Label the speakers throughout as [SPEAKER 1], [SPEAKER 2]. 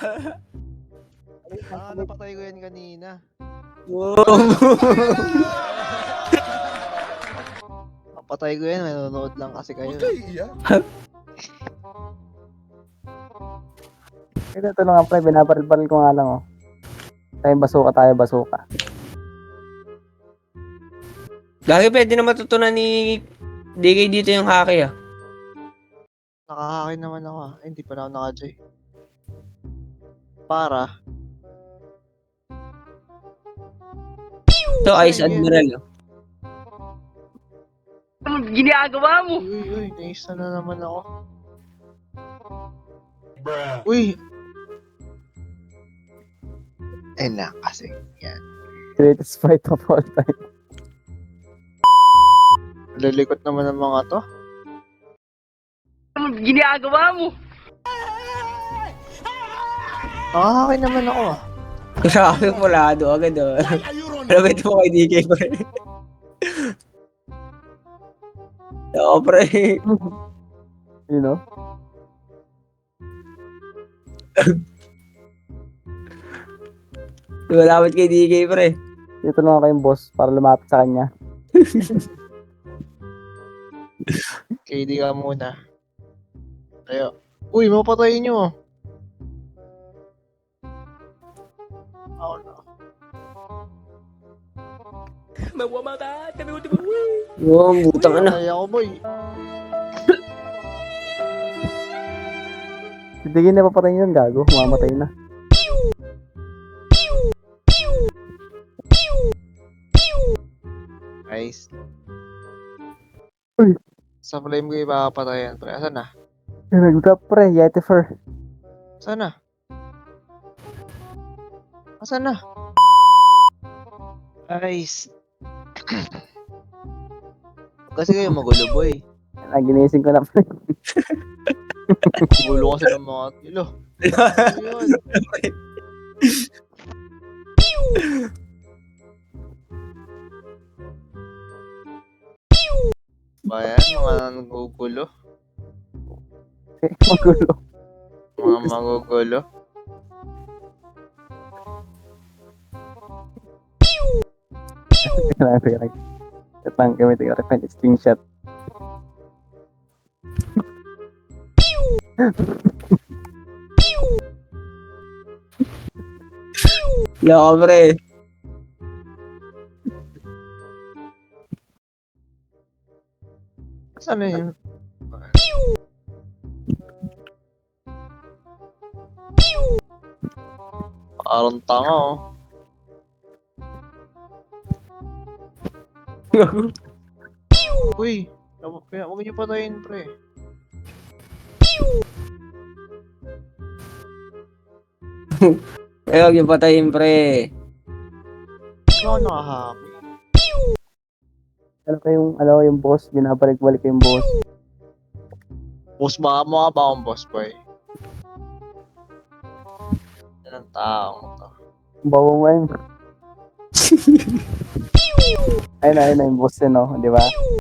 [SPEAKER 1] Napatay ko yan kanina.
[SPEAKER 2] Wow.
[SPEAKER 1] Napatay ko yan, nanonood lang kasi kayo.
[SPEAKER 3] Ito lang nga pre, binabaril-baril ko nga lang oh. Tayo basuka.
[SPEAKER 2] Dahil pwede na matutunan ni DK dito yung haki ah.
[SPEAKER 1] Nakahaki naman ako hindi pa na ako naka-J. Para.
[SPEAKER 2] So, Ice Admiral oh.
[SPEAKER 4] Anong ginagawa mo?
[SPEAKER 1] Uy, naisa na naman ako. Uy! Na kasi. Yan.
[SPEAKER 3] Greatest fight of all time.
[SPEAKER 1] Lalikot naman ng mga to.
[SPEAKER 4] Anong ginagawa mo?
[SPEAKER 1] Nakahaki naman ako
[SPEAKER 2] Grabe, mulado agad oh. Labit mo kay DK pre. Oo pre.
[SPEAKER 3] You know?
[SPEAKER 2] Lumalamat kay DK pre.
[SPEAKER 3] Dito lang ako yung boss para lumapit sa kanya.
[SPEAKER 1] KD ka muna. Tayo. Uy, mapatayin nyo. Oh no.
[SPEAKER 2] Wow, butang na.
[SPEAKER 1] Patay ako boy.
[SPEAKER 3] Hindi na papatayin yun, gago. Mamatay na.
[SPEAKER 1] Guys.
[SPEAKER 3] Uy.
[SPEAKER 1] Sa flame ko ipapatayan. Pre, asan na?
[SPEAKER 3] Nag-drop pre, Yetifer.
[SPEAKER 1] Asan na? Asan na? Guys. Kasi kayo magulo boy.
[SPEAKER 3] Ginising ko na pre.
[SPEAKER 1] Magulo kasi ng mga tilo. Ayun. Bayan, mga nagugulo.
[SPEAKER 3] Magulo.
[SPEAKER 1] Mga magugulo.
[SPEAKER 3] Ito lang gamitin ko rin screenshot.
[SPEAKER 2] Loko pre.
[SPEAKER 1] Saan na yun? Parang tanga oh. Uy, huwag niyo patayin pre.
[SPEAKER 2] Eh, huwag yung patayin pre.
[SPEAKER 1] Ano ako nakahappy?
[SPEAKER 3] Alam ko yung boss, binabalik-balik ko yung boss.
[SPEAKER 1] Boss ba? Mukha ba akong boss boy? Yan ang taong to.
[SPEAKER 3] Bawa mo yun. Ayun na yung boss yun, no? Di ba?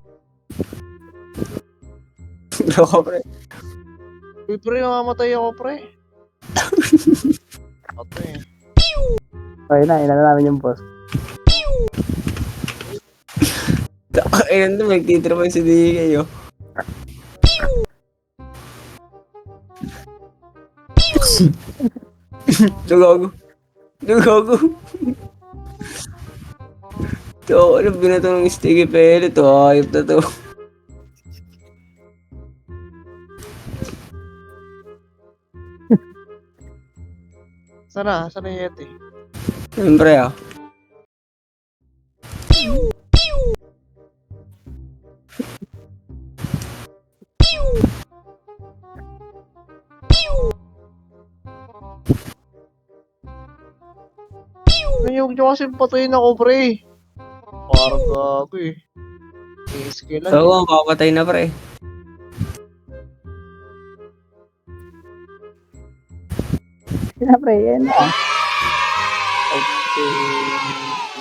[SPEAKER 2] Loko pre.
[SPEAKER 1] Uy pre, mamamatay ako pre. Patay.
[SPEAKER 3] Ayun na namin yung boss.
[SPEAKER 2] Ayun na, magtitrapan si DK oh. Dugago. Ito, ano binato ng sticky pellet to? Ayop na to.
[SPEAKER 1] Sana yung Yeti?
[SPEAKER 2] Siyempre ah.
[SPEAKER 1] Huwag niyo kasi patayin ako pre. Parang gago eh. Sige lang.
[SPEAKER 2] So, papatay na pre.
[SPEAKER 3] Siyempre, yan na.
[SPEAKER 1] Okay.